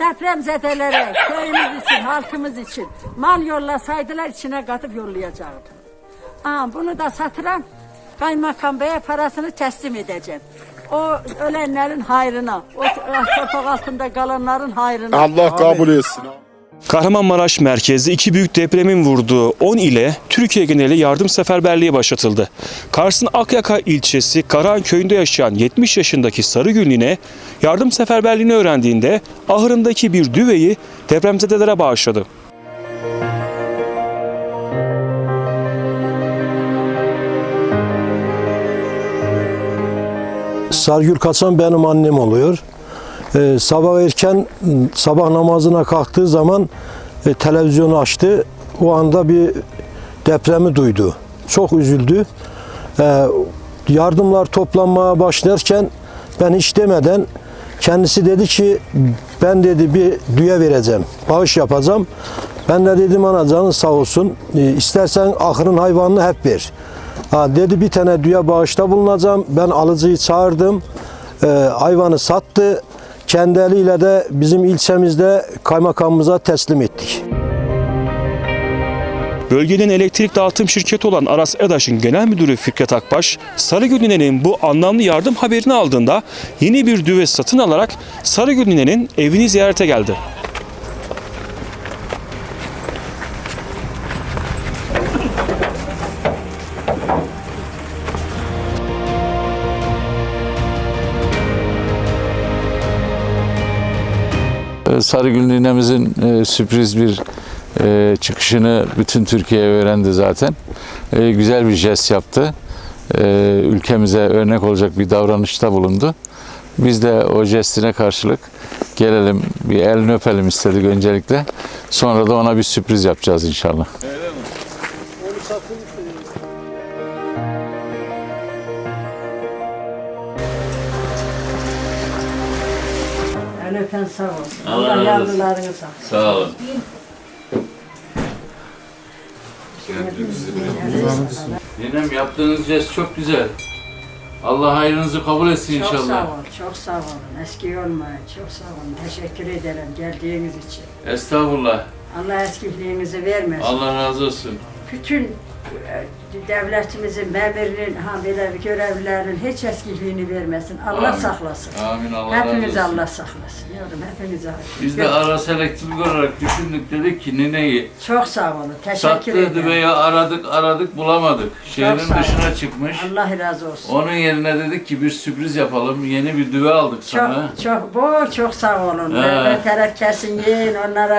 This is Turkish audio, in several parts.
depremzedelere, köyümüz için, halkımız için mal yollasaydılar içine katıp yollayacaktım. Bunu da satıran kaymakam beye parasını teslim edeceğim. O ölenlerin hayrına, o toprak altında kalanların hayrına. Allah kabul etsin. Kahramanmaraş merkezli iki büyük depremin vurduğu 10 ile Türkiye geneli yardım seferberliği başlatıldı. Kars'ın Akyaka ilçesi Karahan köyünde yaşayan 70 yaşındaki Sarıgünlü'ne yardım seferberliğini öğrendiğinde ahırındaki bir düveyi depremzedelere bağışladı. Sargül Kaçan benim annem oluyor. Sabah erken sabah namazına kalktığı zaman televizyonu açtı. O anda bir depremi duydu. Çok üzüldü. Yardımlar toplanmaya başlarken ben hiç demeden kendisi dedi ki ben dedi bir düğe vereceğim. Bağış yapacağım. Ben de dedim ana canın sağ olsun. İstersen ahırın hayvanını hep ver. Dedi bir tane düğe bağışta bulunacağım. Ben alıcıyı çağırdım. Hayvanı sattı. Kendi eliyle de bizim ilçemizde kaymakamımıza teslim ettik. Bölgenin elektrik dağıtım şirketi olan Aras EDAŞ'ın genel müdürü Fikret Akbaş, Sarıgünlü'nün bu anlamlı yardım haberini aldığında yeni bir düve satın alarak Sarıgünlü'nün evini ziyarete geldi. Sarıgül ninemizin sürpriz bir çıkışını bütün Türkiye öğrendi zaten. Güzel bir jest yaptı. Ülkemize örnek olacak bir davranışta bulundu. Biz de o jestine karşılık gelelim bir elini öpelim istedik öncelikle. Sonra da ona bir sürpriz yapacağız inşallah. Öyle mi? Onu satın. El öpen sağ olsun. Allah yavrularını sağ olsun. Sağ olun. Ninem yaptığınız jest çok güzel. Allah hayrınızı kabul etsin Çok inşallah. sağ olun, çok sağ olun. Eski olmayın, çok sağ olun. Teşekkür ederim geldiğiniz için. Estağfurullah. Allah eskiliğinizi vermesin. Allah razı olsun. Bütün devletimizin, memurinin, böyle görevlilerin hiç eskiliğini vermesin. Allah Amin. saklasın. Amin, Allah razı Hepinizi olsun. Allah saklasın. Yavrum hepinizi. Biz de Aras Elektrik olarak düşündük, dedik ki nineyi Çok sağ olun. Teşekkür sattığı ederim. düveyi aradık bulamadık. Şehrin sağ olun. dışına çıkmış. Allah razı olsun. Onun yerine dedik ki bir sürpriz yapalım. Yeni bir düve aldık sana. Çok sağ olun. He. Beter kesin yiyin,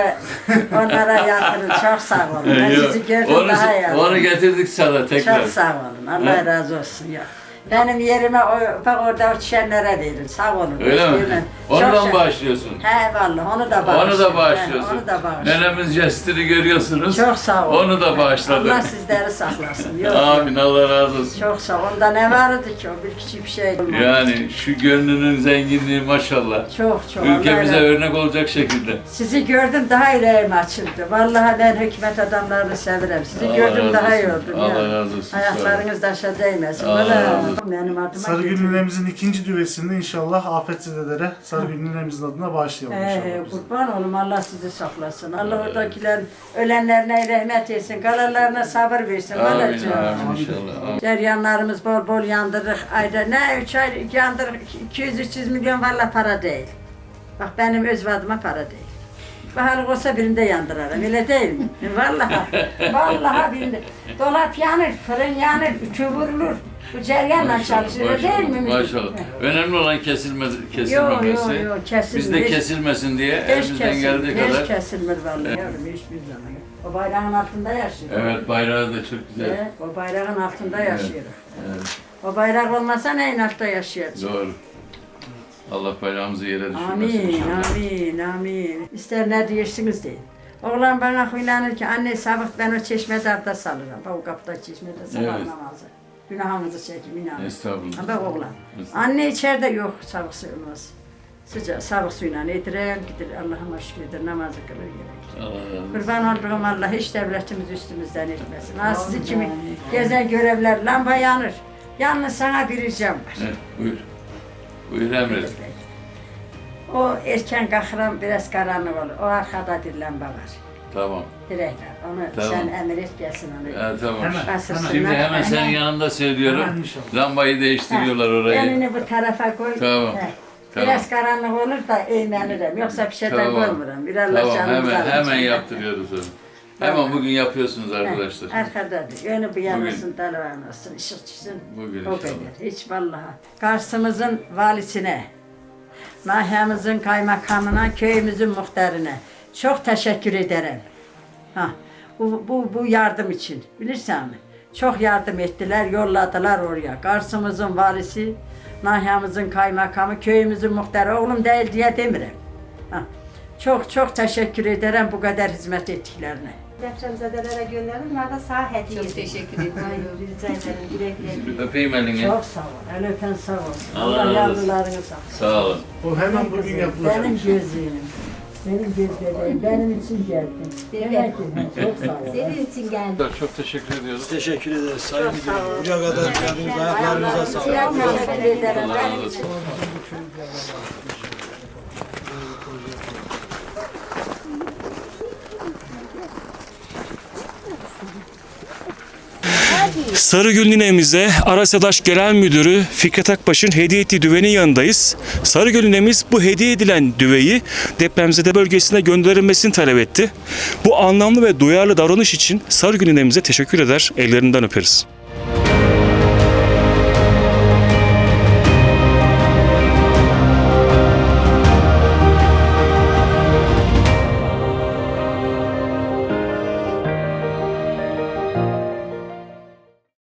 onlara yatırın. Çok sağ olun. Ben Yok, sizi gördüm daha iyi. onu getirdik sana tekrar. Çok sağ olun. Allah He. razı olsun ya. Benim yerime bak orada uçuşanlara verin. Sağ olun. Öyle mi? Değil Ondan bağışlıyorsun. He vallahi onu da bağışlıyorum. Onu da bağışlıyorsun. Onu da bağışlıyorum. Nenemiz jestini görüyorsunuz. Çok sağ olun. Onu da bağışladık. Allah sizleri saklasın. Yok, Amin, Allah razı olsun. Çok sağ olun. Onda ne vardı ki o bir küçük bir şey olmadı. Yani şu gönlünün zenginliği maşallah. Çok. Ülkemize Allah örnek olacak şekilde. Sizi gördüm daha yüreğim açıldı. Vallahi ben hükümet adamlarını severim. Sizi Allah gördüm razı daha iyi olsun. oldum. Allah ya. razı olsun. Ayaklarınız taşa değmesin. Allah Vallahi razı olsun. benim adıma Sarıgül ninemizin ikinci düvesinde inşallah afetzedelere Sarıgül ninemizin adına bağışlayalım inşallah. kurban olun Allah sizi saklasın. Allah oradakilerin ölenlerine rahmet etsin. Kalanlarına sabır versin. Amin, Vallahi amin inşallah. Amin. ceryanlarımız bol bol yandırdık. Ayda ne 3 ay yandırdık 200-300 milyon vallahi para değil. Bak benim öz vadıma para değil. Baharlık olsa birinde yandırarım, öyle değil mi? Vallahi birinde. Dolap yanır, fırın yanır, ütü vurulur. Bu ceryanla çalışır, değil mi? Maşallah. Önemli olan kesilmemesi. Yok, kesilmez. Biz de kesilmesin diye elimizden geldiği kadar. Hiç kesilmez vallahi. Yavrum hiçbir zaman yok. O bayrağın altında yaşıyoruz. Evet, bayrağı da çok güzel. Evet, o bayrağın altında yaşıyoruz. Evet, O bayrak olmasa neyin altta yaşayacağız? doğru. Allah bayrağımızı yere düşürmesin inşallah. Amin. İster ne diyorsunuz deyin. Oğlan bana huylanır ki anne sabah ben o çeşmede abdest alırım. Bak o kapıda çeşmede sabah Evet. namazı. Günahınızı çekin inanın. Estağfurullah. Bak oğlan. Anne içeride yok sabah suyumuz. Sıcak sabah suyla yedirir gider Allah'ıma şükürdir namazı kılır gerek. Allah razı olsun. Kurban olduğum Allah hiç devletimiz üstümüzden etmesin. Ha sizi kimi gezen görevler lamba yanır. Yalnız sana bir ricam var. Evet, buyur. Buyur emredin. O erken kalkıram biraz karanlık olur. O arkada dirilen var. Tamam. Direkler. Onu Tamam. sen emir et gelsin onu. Tamam. Hemen. Basırsınlar. Şimdi hemen senin yanında söylüyorum. Hemen inşallah. Lambayı değiştiriyorlar orayı. Elini bu tarafa koy. Tamam. He. Tamam. Biraz karanlık olur da eğmenirim. Yoksa bir şeyden Tamam. koymuyorum. Bir Allah Tamam, canımızı hemen alır. yaptırıyoruz onu. Hemen bugün yapıyorsunuz arkadaşlar. Arkadadır. Yönü bu yanılsın, dalvan olsun, ışık çıksın. Bugün O inşallah. kadar. Hiç vallahi. Kars'ımızın valisine, nahiyemizin kaymakamına, köyümüzün muhtarına çok teşekkür ederim. Ha, bu yardım için. Bilirsen mi? Çok yardım ettiler, yolladılar oraya. Kars'ımızın valisi, nahiyemizin kaymakamı, köyümüzün muhtarı, oğlum değil diye demirim. Ha, çok teşekkür ederim bu kadar hizmet ettiklerine. Depremzedelere gönderin. Bunlar da sağ hediye. Çok teşekkür ederim. Rica ederim. Güle güle. Öpeyim elini. Çok sağ ol. El öpen sağ olsun. Allah Allah razı olsun. yavrularını sağ olsun. Sağ olun. O hemen bugün yapılacak. Benim gözlüğüm. Benim gözlüğüm. Benim için geldin. Demek ki çok sağ ol. Senin için geldim. Çok teşekkür ediyoruz. Teşekkür ederiz Sayın Müdürüm. Buraya kadar geldiniz. Ayaklarınıza sağlık. Teşekkür ederim. Allah Benim razı için. olsun. Sarıgül ninemize Arasadaş Genel Müdürü Fikret Akbaş'ın hediye ettiği düvenin yanındayız. Sarıgül ninemiz bu hediye edilen düveyi depremzede bölgesine gönderilmesini talep etti. Bu anlamlı ve duyarlı davranış için Sarıgül ninemize teşekkür eder, ellerinden öperiz.